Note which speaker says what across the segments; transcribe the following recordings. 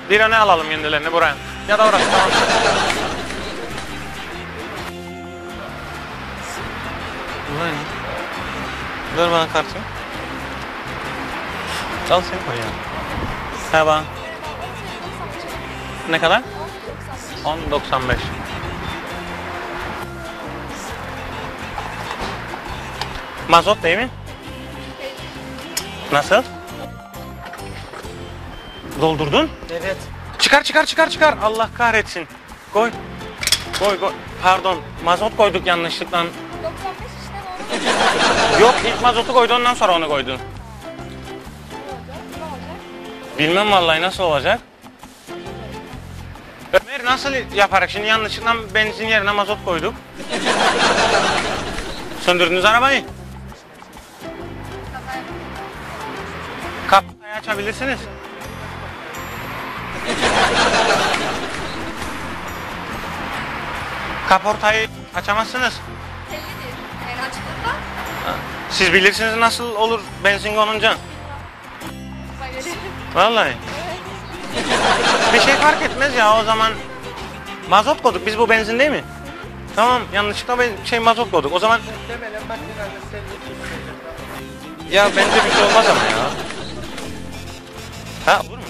Speaker 1: Bir öne alalım kendilerini buraya. Ya da orası tamam. Ulan. Ver bana kartı. Al seni koy ya. Merhaba. Ne kadar? 10.95. Mazot değil mi? Nasıl? Doldurdun?
Speaker 2: Evet.
Speaker 1: Çıkar. Allah kahretsin. Koy. Koy. Pardon. Mazot koyduk yanlışlıkla.
Speaker 3: 95 işte doğru.
Speaker 1: Yok, ilk mazotu koydu, ondan sonra onu koydu.
Speaker 3: Ne olacak?
Speaker 1: Bilmem vallahi nasıl olacak. Ömer nasıl yaparak şimdi yanlışlıkla benzin yerine mazot koyduk. Söndürdünüz arabayı. Kapıyı açabilirsiniz. Kaportayı açamazsınız.
Speaker 3: Tellidir. Yani açıklıkta.
Speaker 1: Siz bilirsiniz nasıl olur benzin konunca.
Speaker 3: Böyle.
Speaker 1: Vallahi. Bir şey fark etmez ya o zaman. Mazot koyduk. Biz bu benzin değil mi? Tamam, yanlışlıkla mazot koyduk. O zaman
Speaker 2: Muhtemelen makinede senin
Speaker 1: ya bence bir şey olmaz ama ya. Ha olur mu?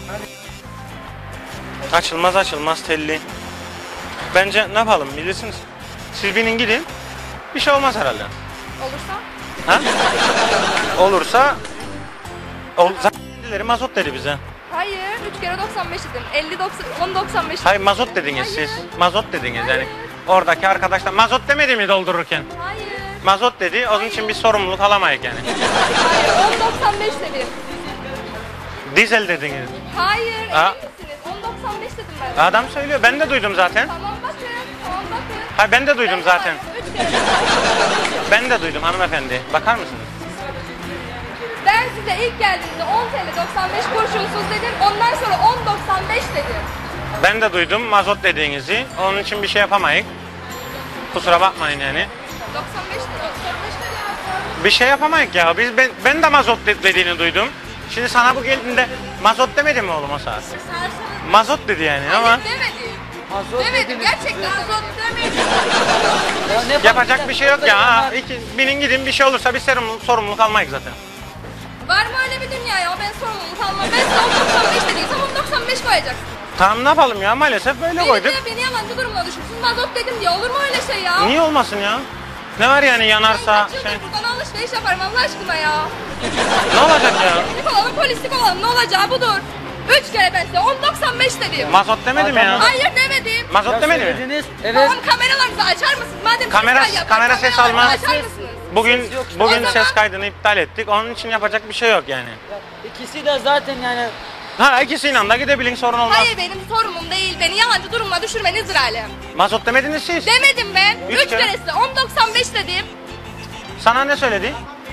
Speaker 1: Açılmaz telli. Bence ne yapalım bilirsiniz. Siz binin gidin. Bir şey olmaz herhalde.
Speaker 3: Olursa?
Speaker 1: Ha? Olursa zaten kendileri mazot dedi bize.
Speaker 3: Hayır. 3 kere 95 dedim. 50 90 10 95.
Speaker 1: Hayır mazot dediniz siz. Mazot dediniz yani. Oradaki arkadaşlar mazot demedi mi doldururken?
Speaker 3: Hayır.
Speaker 1: Mazot dedi. Onun için biz sorumluluk alamayız yani.
Speaker 3: Hayır. 10 95 dedim.
Speaker 1: Dizel dediniz.
Speaker 3: Hayır. Emin
Speaker 1: Ha?
Speaker 3: misiniz? 10 95 dedim ben.
Speaker 1: Adam söylüyor. Ben de duydum zaten.
Speaker 3: Tamam bakın. Tamam bakın.
Speaker 1: Hayır ben de duydum zaten.
Speaker 3: 3 kere 95 dedim.
Speaker 1: Ben de duydum hanımefendi. Bakar mısınız?
Speaker 3: Ben size ilk geldiğimde 10 TL 95 kurşunsuz dedim. Ondan sonra 10 95 dedim.
Speaker 1: Ben de duydum mazot dediğinizi. Onun için bir şey yapamayız. Kusura bakmayın yani.
Speaker 3: 95 dedi. 95 dedi.
Speaker 1: Bir şey yapamayız ya. Ben de mazot dediğini duydum. Şimdi sana bu geldiğinde mazot demedi mi oğlum o saat? Mazot dedi yani ama
Speaker 3: Hayır demedim.
Speaker 2: Mazot
Speaker 3: Demedim
Speaker 2: dediniz.
Speaker 3: gerçekten mazot demedim.
Speaker 2: Ya ne
Speaker 1: yapacak
Speaker 2: fark
Speaker 1: bir şey yok
Speaker 2: eder?
Speaker 1: ya. Ha, binin gidin bir şey olursa bir sorumluluk almayız zaten.
Speaker 3: Var mı öyle bir dünya ya? Ben sorumluluk almam. Ben size 10 95 dediysem 10 95 koyacaksın.
Speaker 1: Tamam ne yapalım ya maalesef böyle koyduk.
Speaker 3: Beni yalancı durumuna düşürsün. Mazot dedim diye olur mu öyle şey ya?
Speaker 1: Niye olmasın ya? Ne var yani yanarsa
Speaker 3: Ben kaç
Speaker 1: şey.
Speaker 3: yıldır buradan alışveriş yaparım Allah aşkına ya.
Speaker 1: Ne olacak ya?
Speaker 3: Polislik olalım polislik olalım ne olacağı budur. 3 kere ben size 10 95 dedim.
Speaker 1: Mazot demedi mi ya?
Speaker 3: Hayır demedim.
Speaker 1: Mazot
Speaker 2: Ya
Speaker 1: demedi mi?
Speaker 2: söylediniz. Evet.
Speaker 3: Tamam kameralarınızı açar mısınız? Madem
Speaker 1: Kamera-
Speaker 3: polisler yapar,
Speaker 1: kamera ses
Speaker 3: kameralarınızı
Speaker 1: almaz.
Speaker 3: Açar mısınız?
Speaker 1: Bugün
Speaker 2: Ses yok işte.
Speaker 1: bugün
Speaker 3: O zaman-
Speaker 1: ses kaydını iptal ettik. Onun için yapacak bir şey yok yani.
Speaker 2: Ya, İkisi de zaten yani
Speaker 1: Ha ikisiyle de gidebilin sorun olmaz.
Speaker 3: Hayır benim sorumum değil. Beni yalancı durumuna düşürmenizdir alem.
Speaker 1: Mazot demediniz siz.
Speaker 3: Demedim ben.
Speaker 1: Üç
Speaker 3: 3
Speaker 1: kere.
Speaker 3: kere size 10 95 dedim.
Speaker 1: Sana ne söyledi?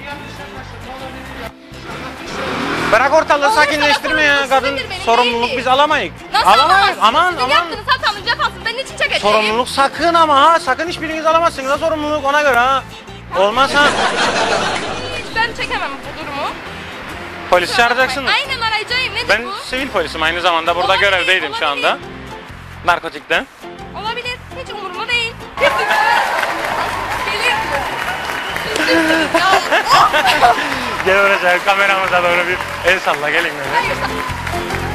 Speaker 1: Bırak ortalığı
Speaker 3: Olursa
Speaker 1: sakinleştirme ya
Speaker 3: sorumluluk
Speaker 1: kadın.
Speaker 3: sizindir, benim
Speaker 1: Sorumluluk
Speaker 3: değil.
Speaker 1: biz alamayız.
Speaker 3: Nasıl
Speaker 1: Alamayız.
Speaker 3: alamazsınız?
Speaker 1: Aman
Speaker 3: Sizin
Speaker 1: aman.
Speaker 3: yaptığınız hatanız cefasını ben niçin çekeceğim?
Speaker 1: Sorumluluk sakın ama ha. Sakın hiçbiriniz alamazsınız ha sorumluluk ona göre ha. Olmaz ha.
Speaker 3: Hiç ben çekemem bu durumu.
Speaker 1: Polis çağıracaksınız.
Speaker 3: Aynen arayacağım. Nedir
Speaker 1: Ben
Speaker 3: bu?
Speaker 1: sivil polisim aynı zamanda burada
Speaker 3: Olabilir,
Speaker 1: görevdeydim şu anda.
Speaker 3: olabilir.
Speaker 1: Narkotikten.
Speaker 3: Olabilir. Hiç umurumda değil. Gelir. Ya,
Speaker 1: Gel oraya kameramıza doğru bir el salla gelin böyle.
Speaker 3: hayır.